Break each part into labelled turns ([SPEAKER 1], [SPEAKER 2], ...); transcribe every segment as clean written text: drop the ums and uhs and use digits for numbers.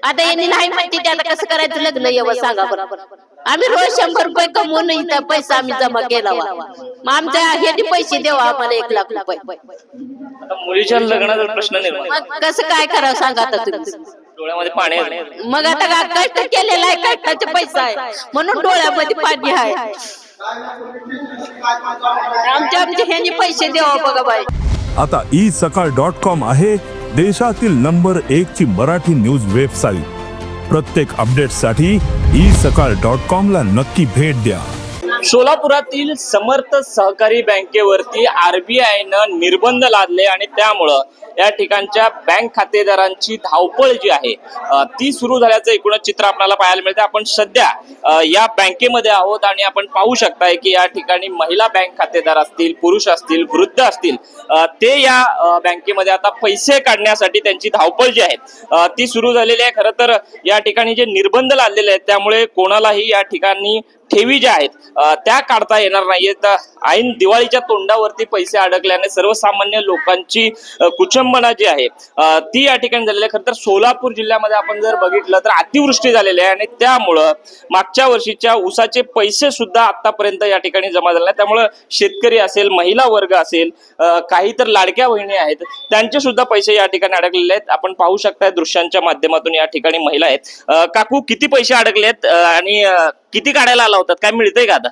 [SPEAKER 1] आता यांनी नाही म्हणते ते आता कसं करायचं लग्न यावं सांगा बरं. आम्ही रोज 100 रुपये कमवून इथं पैसा आम्ही जमा केला मग आमच्या ह्यांनी पैसे द्यावा आम्हाला 1 लाख रुपये.
[SPEAKER 2] आता मुलीच्या लग्नाचा प्रश्न निर्माण
[SPEAKER 1] मग कसं काय करावं सांगा आता तुम्ही.
[SPEAKER 2] डोळ्यामध्ये पाणी आहे.
[SPEAKER 1] मग आता कष्ट केलेला आहे, कष्टाचा पैसा आहे म्हणून डोळ्यामध्ये पाणी आहे. आमच्या ह्यांनी पैसे द्यावा बघा बाई.
[SPEAKER 3] आता isakal.com आहे देशातील नंबर 1 ची मराठी न्यूज वेबसाईट. प्रत्येक अपडेटसाठी isakal.com ला नक्की भेट द्या.
[SPEAKER 2] सोलापुरातील समर्थ सहकारी बँकेवरती RBIनं निर्बंध लादले आणि त्यामुळं या ठिकाणच्या बँक खातेदारांची धावपळ जी आहे ती सुरू झाल्याचं एकूणच चित्र आपल्याला पाहायला मिळते. आपण सध्या या बँकेमध्ये आहोत आणि आपण पाहू शकताय की या ठिकाणी महिला बँक खातेदार असतील, पुरुष असतील, वृद्ध असतील, ते या बँकेमध्ये आता पैसे काढण्यासाठी त्यांची धावपळ जी आहे ती सुरू झालेली आहे. खरं तर या ठिकाणी जे निर्बंध लादलेले आहेत त्यामुळे कोणालाही या ठिकाणी ठेवी ज्या आहेत त्या काढता येणार नाहीयेत. ऐन दिवाळीच्या तोंडावरती पैसे अडकल्याने सर्वसामान्य लोकांची कुचंबना जी आहे ती या ठिकाणी झालेली आहे. खरं तर सोलापूर जिल्ह्यामध्ये आपण जर बघितलं तर अतिवृष्टी झालेली आहे आणि त्यामुळं मागच्या वर्षीच्या ऊसाचे पैसे सुद्धा आतापर्यंत या ठिकाणी जमा झाले नाही. त्यामुळं शेतकरी असेल, महिला वर्ग असेल, काही तर लाडक्या बहिणी आहेत त्यांचे सुद्धा पैसे या ठिकाणी अडकलेले आहेत. आपण पाहू शकताय दृश्यांच्या माध्यमातून या ठिकाणी महिला आहेत. काकू, किती पैसे अडकले आहेत आणि किती काढायला आला होतात? काय मिळतंय का आता?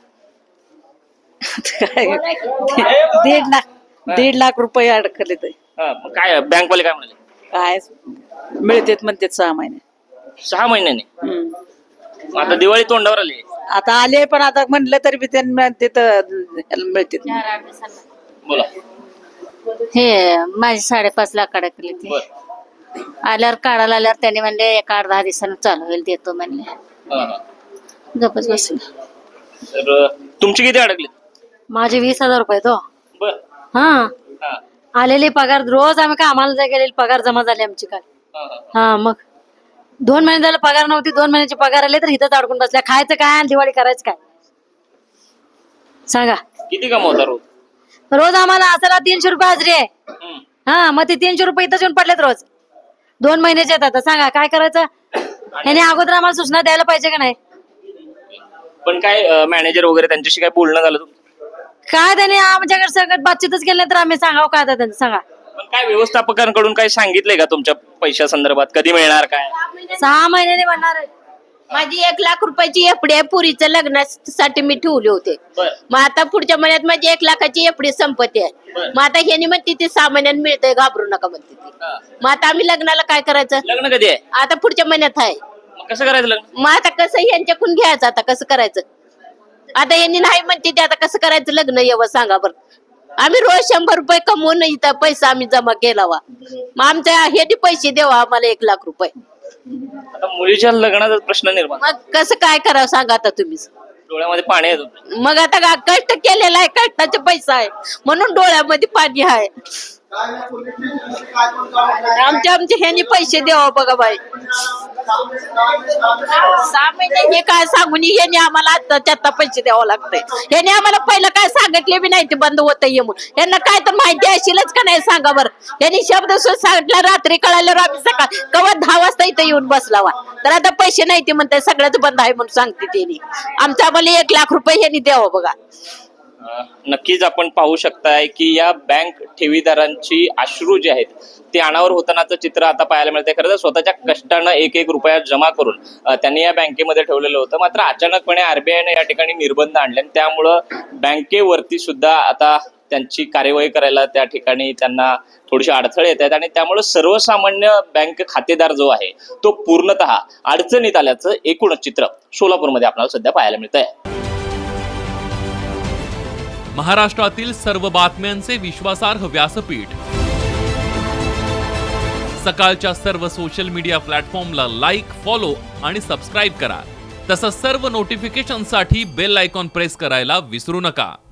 [SPEAKER 4] 1.5 लाख रुपये अडकले ते.
[SPEAKER 2] काय बँकवाले काय म्हणाले?
[SPEAKER 4] काय मिळतेत म्हणतात 6 महिने.
[SPEAKER 2] 6 महिन्याने? आता दिवाळी तोंडावर आली.
[SPEAKER 4] आता आले पण आता म्हणलं तरी बी त्यांना मिळते.
[SPEAKER 2] बोला.
[SPEAKER 5] हे माझे 5.5 लाख अडकले ते. आल्यावर काढायला आल्यावर त्यांनी म्हणले 1-10 दिवसानं चालू होईल, देतो म्हणले. गपच बसले.
[SPEAKER 2] तर तुमचे किती अडकले?
[SPEAKER 5] माझे 20,000 रुपये तो.
[SPEAKER 2] बर.
[SPEAKER 5] हा, आलेले पगार रोज आम्ही कामाला जाय गेलेले पगार जमा झाले आमची काल. हा, मग 2 महिने झाले पगार नव्हती, 2 महिन्याचे पगार आले तर इथंच अडकून बसल्या. खायचं काय आणि दिवाळी करायचं काय सांगा?
[SPEAKER 2] किती कमवता रोज?
[SPEAKER 5] रोज आम्हाला असाला 300 रुपये हजरी आहे. हा, मग ते 300 रुपये इथंच येऊन पडलेत रोज. 2 महिन्याचे येतात. सांगा काय करायचं? याने अगोदर आम्हाला सूचना द्यायला पाहिजे का नाही?
[SPEAKER 2] पण काय मॅनेजर वगैरे त्यांच्याशी काय बोलणं झालं तुमचं?
[SPEAKER 5] काय त्याने आमच्याकडे सगळं बातचीतच केली तर आम्ही सांगावं काय आता त्यांचं सांगा.
[SPEAKER 2] पण काय व्यवस्थापकांकडून काही सांगितलंय का तुमच्या पैशा संदर्भात? कधी मिळणार काय?
[SPEAKER 5] 6 महिन्याने म्हणणार आहे.
[SPEAKER 1] माझी 1 लाख रुपयाची एफडी आहे, पुरीचं लग्नासाठी मी ठेवले होते. मग आता पुढच्या महिन्यात माझी 1 लाखाची एफडी संपत्ती आहे. मग आता ह्यानी म्हणते ते 6 महिन्यात मिळतंय, घाबरू नका म्हणते ती. मग आता आम्ही लग्नाला काय करायचं?
[SPEAKER 2] लग्न कधी आहे?
[SPEAKER 1] आता पुढच्या महिन्यात आहे.
[SPEAKER 2] कसं करायचं लग्न?
[SPEAKER 1] मग आता कसं यांच्याकडून घ्यायचं? आता कसं करायचं? आता यांनी नाही म्हणते ते आता कसं करायचं लग्न यावं सांगा बरं. आम्ही रोज 100 रुपये कमवून इथं पैसा आम्ही जमा केला. मग आमच्या ह्यांनी पैसे द्यावा आम्हाला 1 लाख रुपये.
[SPEAKER 2] आता मुलीच्या लग्नाचा प्रश्न निर्माण.
[SPEAKER 1] मग कसं काय करावं सांगा आता तुम्हीच.
[SPEAKER 2] डोळ्यामध्ये पाणी आहे.
[SPEAKER 1] मग आता कष्ट केलेला आहे, कष्टाचा पैसा आहे म्हणून डोळ्यामध्ये पाणी आहे. आमच्या ह्यांनी पैसे द्यावा बघा बाई. 6 महिने हे काय सांगून यांनी आम्हाला आता पैसे द्यावं लागतंय. यांनी आम्हाला पहिलं काय सांगितले बी नाही ते बंद होत ये म्हणून. यांना काय तर माहिती असेलच का नाही सांगा बरं. यांनी शब्द सांगितलं, रात्री कळाल्यावर आम्ही सकाळ कवा 10 वाजता इथं येऊन बसलावा. तर आता पैसे नाही ते म्हणते, सगळ्याच बंद आहे म्हणून सांगते त्यांनी. आमच्या आम्हाला 1 लाख रुपये यांनी द्यावं बघा.
[SPEAKER 2] नक्कीच आपण पाहू शकताय की या बँक ठेवीदारांची अश्रू जे आहेत ते अनावर होतानाचं चित्र आता पाहायला मिळते. खरं तर स्वतःच्या कष्टानं 1-1 रुपया जमा करून त्यांनी या बँकेमध्ये ठेवलेलं होतं. मात्र अचानकपणे RBIने या ठिकाणी निर्बंध आणले आणि त्यामुळं बँकेवरती सुद्धा आता त्यांची कार्यवाही करायला त्या ठिकाणी त्यांना थोडीशी अडथळे येत आहेत आणि त्यामुळे सर्वसामान्य बँक खातेदार जो आहे तो पूर्णतः अडचणीत आल्याचं एकूणच चित्र सोलापूरमध्ये आपल्याला सध्या पाहायला मिळत आहे.
[SPEAKER 6] महाराष्ट्रातील सर्व बातम्यांचे विश्वासार्ह व्यासपीठ सकाळच्या सर्व सोशल मीडिया प्लॅटफॉर्मला लाईक, फॉलो आणि सबस्क्राईब करा. तसंच सर्व नोटिफिकेशनसाठी बेल आयकॉन प्रेस करायला विसरू नका.